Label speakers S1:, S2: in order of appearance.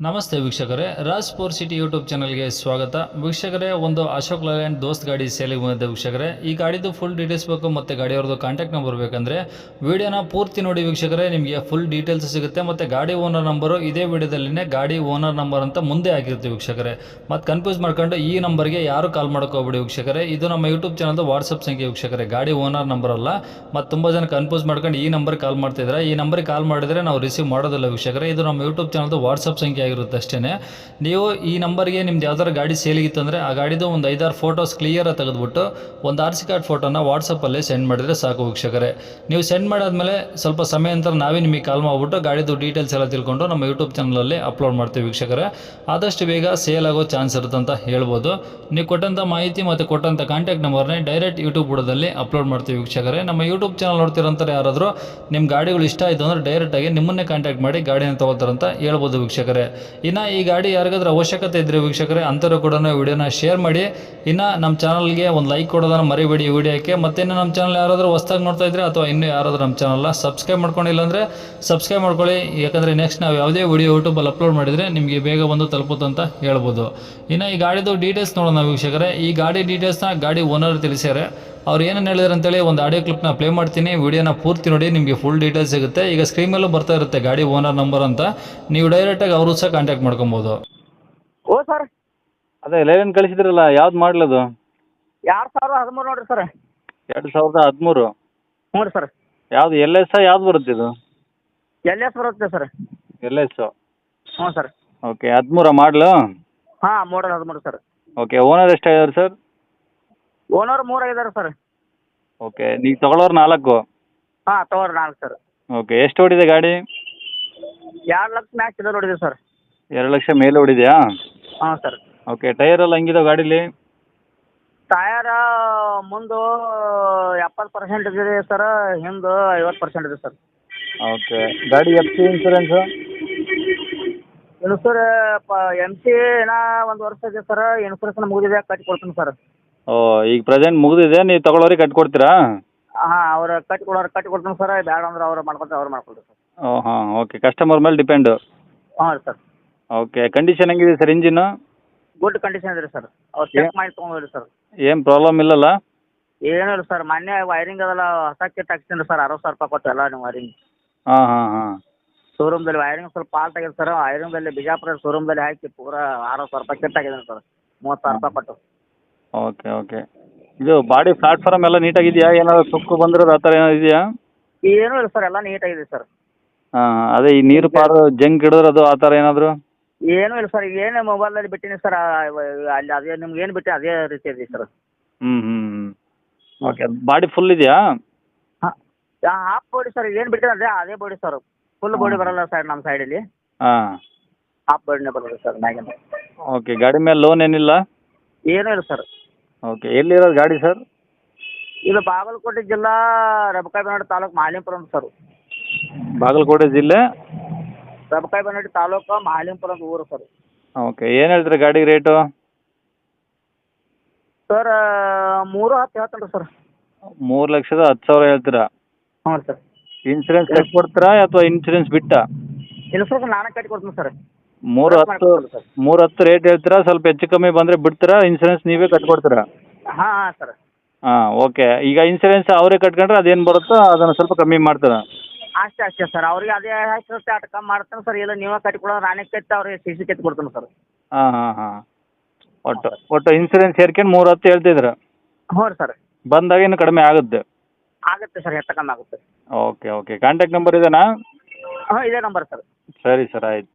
S1: ನಮಸ್ತೆ ವೀಕ್ಷಕರೇ, Raj spore city YouTube ಚಾನಲ್ಗೆ ಸ್ವಾಗತ. ವೀಕ್ಷಕರೇ, ಒಂದು ಅಶೋಕ್ ಲೇಲ್ಯಾಂಡ್ ದೋಸ್ತ್ ಗಾಡಿ ಸೇಲಿಗೆ ಬಂದಿದೆ ವೀಕ್ಷಕರೇ. ಈ ಗಾಡಿದು ಫುಲ್ ಡೀಟೇಲ್ಸ್ ಬೇಕು ಮತ್ತು ಗಾಡಿಯವ್ರದ್ದು ಕಾಂಟ್ಯಾಕ್ಟ್ ನಂಬರ್ ಬೇಕಂದರೆ ವಿಡಿಯೋನ ಪೂರ್ತಿ ನೋಡಿ ವೀಕ್ಷಕರೇ, ನಿಮಗೆ ಫುಲ್ ಡೀಟೇಲ್ಸ್ ಸಿಗುತ್ತೆ. ಮತ್ತು ಗಾಡಿ ಓನರ್ ನಂಬರು ಇದೇ ವಿಡಿಯೋದಲ್ಲಿನೇ ಗಾಡಿ ಓನರ್ ನಂಬರ್ ಅಂತ ಮುಂದೆ ಆಗಿರ್ತೀವಿ ವೀಕ್ಷಕರೇ. ಮತ್ತು ಕನ್ಫ್ಯೂಸ್ ಮಾಡ್ಕೊಂಡು ಈ ನಂಬರ್ಗೆ ಯಾರು ಕಾಲ್ ಮಾಡೋಕೋಗ್ಬಿಡಿ ವೀಕ್ಷಕರೇ. ಇದು ನಮ್ಮ ಯೂಟ್ಯೂಬ್ ಚಾನಲ್ದು ವಾಟ್ಸಪ್ ಸಂಖ್ಯೆ ವೀಕ್ಷಕರೇ, ಗಾಡಿ ಓನರ್ ನಂಬರ್ ಅಲ್ಲ. ಮತ್ತು ತುಂಬ ಜನ ಕನ್ಫ್ಯೂಸ್ ಮಾಡ್ಕೊಂಡು ಈ ನಂಬರ್ಗೆ ಕಾಲ್ ಮಾಡ್ತಿದ್ರೆ, ಈ ನಂಬರ್ಗೆ ಕಾಲ್ ಮಾಡಿದರೆ ನಾವು ರಿಸೀವ್ ಮಾಡೋದಿಲ್ಲ ವೀಕ್ಷಕರೇ. ಇದು ನಮ್ಮ ಯೂಟ್ಯೂಬ್ ಚಾನಲ್ದು ವಾಟ್ಸಪ್ ಸಂಖ್ಯೆ ಆಗಿರುತ್ತೆ ಅಷ್ಟೇ. ನೀವು ಈ ನಂಬರ್ಗೆ ನಿಮ್ದು ಯಾವ್ದಾರು ಗಾಡಿ ಸೇಲಿಗಿತ್ತು ಅಂದರೆ ಆ ಗಾಡಿದು ಒಂದು 5-6 ಫೋಟೋಸ್ ಕ್ಲಿಯರಾಗಿ ತೆಗೆದುಬಿಟ್ಟು ಒಂದು RC ಕಾರ್ಡ್ ಫೋಟೋನ ವಾಟ್ಸಪ್ಪಲ್ಲಿ ಸೆಂಡ್ ಮಾಡಿದರೆ ಸಾಕು ವೀಕ್ಷಕರೇ. ನೀವು ಸೆಂಡ್ ಮಾಡಾದ್ಮೇಲೆ ಸ್ವಲ್ಪ ಸಮಯ ನಂತರ ನಾವೇ ನಿಮಗೆ ಕಾಲ್ ಮಾಡಿಬಿಟ್ಟು ಗಾಡಿದು ಡೀಟೇಲ್ಸ್ ಎಲ್ಲ ತಿಳ್ಕೊಂಡು ನಮ್ಮ ಯೂಟ್ಯೂಬ್ ಚಾನಲಲ್ಲಿ ಅಪ್ಲೋಡ್ ಮಾಡ್ತೀವಿ ವೀಕ್ಷಕರೇ. ಆದಷ್ಟು ಬೇಗ ಸೇಲ್ ಆಗೋ ಚಾನ್ಸ್ ಇರುತ್ತೆ ಅಂತ ಹೇಳ್ಬೋದು. ನೀವು ಕೊಟ್ಟಂಥ ಮಾಹಿತಿ ಮತ್ತು ಕೊಟ್ಟಂಥ ಕಾಂಟ್ಯಾಕ್ಟ್ ನಂಬರ್ನೇ ಡೈರೆಕ್ಟ್ ಯೂಟ್ಯೂಬ್ ಬುಡದಲ್ಲಿ ಅಪ್ಲೋಡ್ ಮಾಡ್ತೀವಿ ವೀಕ್ಷಕರೇ. ನಮ್ಮ ಯೂಟ್ಯೂಬ್ ಚಾನಲ್ ನೋಡ್ತಿರೋಂಥವ್ರು ಯಾರಾದರೂ ನಿಮ್ಮ ಗಾಡಿಗಳು ಇಷ್ಟ ಆಯಿತು ಅಂದರೆ ಡೈರೆಕ್ಟಾಗಿ ನಿಮ್ಮನ್ನೇ ಕಾಂಟ್ಯಾಕ್ಟ್ ಮಾಡಿ ಗಾಡಿನ ತೊಗೋತಾರಂತ ಹೇಳ್ಬೋದು ವೀಕ್ಷಕರೇ. ಇನ್ನು ಈ ಗಾಡಿ ಯಾರಿಗಾದ್ರೂ ಅವಶ್ಯಕತೆ ಇದ್ದರೆ ವೀಕ್ಷಕರೇ, ಅಂಥವ್ರು ಕೂಡ ವಿಡಿಯೋನ ಶೇರ್ ಮಾಡಿ. ಇನ್ನು ನಮ್ಮ ಚಾನಲ್ಗೆ ಒಂದು ಲೈಕ್ ಕೊಡೋದನ್ನು ಮರಿಬೇಡಿ ಈ ವಿಡಿಯೋಕ್ಕೆ. ಮತ್ತು ಇನ್ನು ನಮ್ಮ ಚಾನಲ್ ಯಾರಾದರೂ ಹೊಸ್ದಾಗಿ ನೋಡ್ತಾ ಇದ್ದರೆ ಅಥವಾ ಇನ್ನೂ ಯಾರಾದರೂ ನಮ್ಮ ಚಾನಲ್ನ ಸಬ್ಸ್ಕ್ರೈಬ್ ಮಾಡ್ಕೊಂಡಿಲ್ಲ ಅಂದರೆ ಸಬ್ಸ್ಕ್ರೈಬ್ ಮಾಡ್ಕೊಳ್ಳಿ. ಯಾಕಂದರೆ ನೆಕ್ಸ್ಟ್ ನಾವು ಯಾವುದೇ ವಿಡಿಯೋ ಯೂಟ್ಯೂಬಲ್ಲಿ ಅಪ್ಲೋಡ್ ಮಾಡಿದರೆ ನಿಮಗೆ ಬೇಗ ಬಂದು ತಲುಪುತ್ತೆ ಅಂತ ಹೇಳ್ಬೋದು. ಇನ್ನು ಈ ಗಾಡಿದು ಡೀಟೇಲ್ಸ್ ನೋಡೋಣ ವೀಕ್ಷಕರೇ. ಈ ಗಾಡಿ ಡೀಟೇಲ್ಸ್ನ ಗಾಡಿ ಓನರ್ ತಿಳಿಸ್ಯಾರೆ. ಅವ್ರು ಏನೇನು ಹೇಳಿದ್ರು ಅಂತೇಳಿ ಒಂದು ಆಡಿಯೋ ಕ್ಲಿಪ್ನ ಪ್ಲೇ ಮಾಡ್ತೀನಿ. ವಿಡಿಯೋನ ಪೂರ್ತಿ ನೋಡಿ, ನಿಮಗೆ ಫುಲ್ ಡೀಟೇಲ್ಸ್ ಸಿಗುತ್ತೆ. ಈಗ ಸ್ಕ್ರೀನ್ ಮೇಲೂ ಬರ್ತಾ ಇರುತ್ತೆ ಗಾಡಿ ಓನರ್ ನಂಬರ್ ಅಂತ. ನೀವು ಡೈರೆಕ್ಟಾಗಿ ಅವರು ಸಹ ಕಾಂಟ್ಯಾಕ್ಟ್ ಮಾಡ್ಕೊಬೋದು.
S2: ಓ ಸರ್,
S3: ಅದೇ ಲೇಲನ್ ಕಳಿಸಿದ್ರಲ್ಲ, ಯಾವ್ದು ಮಾಡಲದು?
S2: 2013 ನೋಡ್ರಿ ಸರ್.
S3: 2013?
S2: ಹ್ಞೂ ರೀ ಸರ್.
S3: ಯಾವ್ದು LS ಯಾವ್ದು ಬರುತ್ತೆ ಇದು?
S2: LS ಬರುತ್ತೆ ಸರ್.
S3: LS.
S2: ಹ್ಞೂ ಸರ್.
S3: ಓಕೆ, 13 ಮಾಡಲು?
S2: ಹಾಂ, ಮಾಡಲ್ 13 ಸರ್.
S3: ಓಕೆ, ಓನರ್ ಎಷ್ಟಾಗಿದ್ದಾರೆ ಸರ್?
S2: ಓನರ್ 3 ಆಗಿದ್ದಾರೆ ಸರ್.
S3: ಓಕೆ, ನೀವು ತಗೊಳ್ಳೋರು 4?
S2: ಹಾಂ, ತಗೋರಿ 4 ಸರ್.
S3: ಓಕೆ, ಎಷ್ಟು ಓಡಿದೆ ಗಾಡಿ?
S2: 2 ಲಕ್ಷ ಮ್ಯಾಚ್ ಇದೆ ನೋಡಿದೆ ಸರ್.
S3: 2 ಲಕ್ಷ ಮೇಲೆ ಓಡಿದೆಯಾ?
S2: ಹಾಂ ಸರ್.
S3: ಓಕೆ, ಟೈರ್ ಎಲ್ಲ ಹಂಗಿದಾವೆ ಗಾಡೀಲಿ?
S2: ಟಯರ ಮುಂದು 70% ಇದೆ ಸರ್, ಹಿಂದೆ 50% ಇದೆ ಸರ್.
S3: ಓಕೆ, ಗಾಡಿ FC ಇನ್ಸೂರೆನ್ಸು?
S2: ಇನ್ಸೂರ್ MC ಏನೋ 1 ವರ್ಷ ಇದೆ ಸರ್. ಇನ್ಸೂರೆನ್ಸ್ ಮುಗಿದಿದೆ, ಕಟ್ಟಿ ಕೊಡ್ತೀನಿ ಸರ್.
S3: ಓ, ಈಗ ಪ್ರೆಸೆಂಟ್ ಮುಗಿದಿದೆ, ನೀವು ತಗೊಳ್ಳೋರಿಗೆ ಕಟ್ಕೊಡ್ತೀರಾ?
S2: ಹಾಂ, ಅವ್ರು ಕಟ್ಟಿ ಕೊಡ್ತೀನಿ ಸರ್. ಬೇಡ ಅಂದ್ರೆ ಅವ್ರು ಮಾಡ್ಕೊಳ್ತಾರೆ, ಅವ್ರು ಮಾಡ್ಕೊಳ್ತಾರೆ ಸರ್.
S3: ಓ ಹಾಂ, ಓಕೆ, ಕಸ್ಟಮರ್ ಮೇಲೆ ಡಿಪೆಂಡು.
S2: ಹಾಂ ರೀ ಸರ್.
S3: ಓಕೆ, ಕಂಡೀಷನ್ ಹೆಂಗಿದೆ ಸರ್ ಇಂಜಿನ್ನು?
S2: ಗುಡ್ ಕಂಡೀಷನ್ ಇದೆ ಸರ್. ಅವ್ರು ಚೆಕ್ ಮಾಡಿ ತೊಗೊಂಡ್ರಿ ಸರ್.
S3: ಏನು ಪ್ರಾಬ್ಲಮ್ ಇಲ್ಲಲ್ಲ?
S2: ಏನೂ ಇಲ್ಲ ಸರ್. ಮೊನ್ನೆ ವೈರಿಂಗ್ ಅದೆಲ್ಲ ಹೊಸ ಕಿಟ್ ಹಾಕ್ತೀನಿ ಸರ್. 60,000 ರೂಪಾಯಿ ಕೊಟ್ಟು ಎಲ್ಲ ನೀವು ವೈರಿಂಗ್
S3: ಹಾಂ ಹಾಂ ಹಾಂ.
S2: ಶೋರೂಮ್ದಲ್ಲಿ ವೈರಿಂಗ್ ಸ್ವಲ್ಪ ಫಾಲ್ಟ್ ಆಗಿದೆ ಸರ್. ವೈರಿಂಗ್ದಲ್ಲಿ ಬಿಜಾಪುರ ಶೋರೂಮ್ದಲ್ಲಿ ಹಾಕಿ ಪೂರಾ 60,000 ರೂಪಾಯಿ ಕಿಟ್ ಹಾಕಿದ್ದೀನಿ ಸರ್. 30,000 ರೂಪಾಯಿ ಕೊಟ್ಟು.
S3: ಓಕೆ ಓಕೆ, ಇದು ಬಾಡಿ ಪ್ಲಾಟ್ಫಾರ್ಮ್ ಎಲ್ಲ ನೀಟಾಗಿದೆಯಾ? ಏನಾದ್ರು ಸುಕ್ಕು ಬಂದಿರೋದು ಆ ಥರ ಏನಾದ್ರು ಇದೆಯಾ?
S2: ಏನೂ ಇಲ್ಲ ಸರ್, ಎಲ್ಲ ನೀಟಾಗಿದೆ ಸರ್.
S3: ಹಾಂ, ಅದೇ ಈ ನೀರು ಪಾರು ಜಂಕ್ ಹಿಡಿದ್ರದು ಆ ಥರ ಏನಾದರೂ?
S2: ಏನೂ ಇಲ್ಲ ಸರ್. ಈಗ ಏನು ಮೊಬೈಲಲ್ಲಿ ಬಿಟ್ಟಿನಿ ಸರ್, ಅಲ್ಲಿ ಅದೇ ನಿಮ್ಗೆ ಏನು ಬಿಟ್ಟು ಅದೇ ರೀತಿ ಇದೆ ಸರ್.
S3: ಹ್ಞೂ ಹ್ಞೂ ಹ್ಞೂ. ಓಕೆ, ಬಾಡಿ ಫುಲ್ ಇದೆಯಾ?
S2: ಹಾಂ, ಹಾಫ್ ಬಾಡಿ ಸರ್. ಏನು ಬಿಟ್ಟಿದೆ ಅದೇ ಬಾಡಿ ಸರ್. ಫುಲ್ ಬಾಡಿ ಬರಲ್ಲ ಸರ್ ನಮ್ಮ ಸೈಡಲ್ಲಿ.
S3: ಹಾಂ,
S2: ಹಾಫ್ ಬಾಡಿನೇ ಬರೋದು ಸರ್ ಮ್ಯಾಗಿಂದ.
S3: ಓಕೆ, ಗಾಡಿ ಮೇಲೆ ಲೋನ್ ಏನಿಲ್ಲ?
S2: ಏನೂ ಇಲ್ಲ ಸರ್.
S3: ಓಕೆ, ಎಲ್ಲಿರೋದು ಗಾಡಿ ಸರ್?
S2: ಇದು ಬಾಗಲಕೋಟೆ ಜಿಲ್ಲಾ ರಬಕಾಯಿಬನಹಳ್ಳಿ ತಾಲೂಕು ಮಾಲಿಂಪುರ ಅಂತ ಸರ್.
S3: ಬಾಗಲಕೋಟೆ ಜಿಲ್ಲೆ
S2: ರಬಕಾಯಿಬನಹಳ್ಳಿ ತಾಲೂಕು ಮಾಲಿಂಪುರ ಅಂತ ಊರು ಸರ್.
S3: ಓಕೆ, ಏನು ಹೇಳ್ತೀರಾ ಗಾಡಿ ರೇಟು?
S2: ಸರ್ 3,10 ಹೇಳ್ತೇನೆ ಸರ್.
S3: 3,10,000 ಹೇಳ್ತೀರಾ?
S2: ಹ್ಞೂ ಸರ್.
S3: ಇನ್ಸೂರೆನ್ಸ್ ಕಟ್ಟಿ ಕೊಡ್ತೀರಾ ಅಥವಾ ಇನ್ಸೂರೆನ್ಸ್ ಬಿಟ್ಟಾ?
S2: ಇನ್ಸೂರೆನ್ಸ್ ನಾನೇ ಕಟ್ಟಿ ಕೊಡ್ತೀನಿ ಸರ್.
S3: 3,10 ರೇಟ್ ಹೇಳ್ತೀರಾ? ಸ್ವಲ್ಪ ಹೆಚ್ಚು ಕಮ್ಮಿ ಬಂದರೆ ಬಿಡ್ತೀರಾ? ಇನ್ಸೂರೆನ್ಸ್ ನೀವೇ ಕಟ್ಕೊಡ್ತೀರಾ?
S2: ಹಾಂ ಹಾಂ ಸರ್.
S3: ಹಾಂ, ಓಕೆ. ಈಗ ಇನ್ಸೂರೆನ್ಸ್ ಅವರೇ ಕಟ್ಕೊಂಡ್ರೆ ಅದೇನು ಬರುತ್ತೋ ಅದನ್ನು ಸ್ವಲ್ಪ ಕಮ್ಮಿ ಮಾಡ್ತಾರೆ?
S2: ಅಷ್ಟೇ ಸರ್. ಅವ್ರಿಗೆ ಅದೇ ಹಾಕಿರುತ್ತೆ ಅಷ್ಟು ಕಮ್ಮಿ ಮಾಡ್ತೇನೆ ಸರ್. ಇಲ್ಲ ನೀವೇ ಕಟ್ಟಿ ಕೊಡೋದು, ನಾನೇ ಕಟ್ಟಿ ಅವ್ರಿಗೆ CC ಕಟ್ಟಿ ಕೊಡ್ತೀನಿ ಸರ್.
S3: ಹಾಂ ಹಾಂ ಹಾಂ. ಒಟ್ಟು ಇನ್ಸೂರೆನ್ಸ್ ಸೇರ್ಕೊಂಡು 3,10 ಹೇಳ್ತಿದ್ರು?
S2: ಹ್ಞೂ ರೀ ಸರ್.
S3: ಬಂದಾಗ ಇನ್ನು ಕಡಿಮೆ ಆಗುತ್ತೆ?
S2: ಆಗುತ್ತೆ ಸರ್, ಹೆಚ್ಚು ಕಮ್ಮಿ ಆಗುತ್ತೆ.
S3: ಓಕೆ ಓಕೆ, ಕಾಂಟ್ಯಾಕ್ಟ್ ನಂಬರ್ ಇದೇನಾ?
S2: ಹಾಂ, ಇದೇ ನಂಬರ್ ಸರ್.
S3: ಸರಿ ಸರ್, ಆಯ್ತು.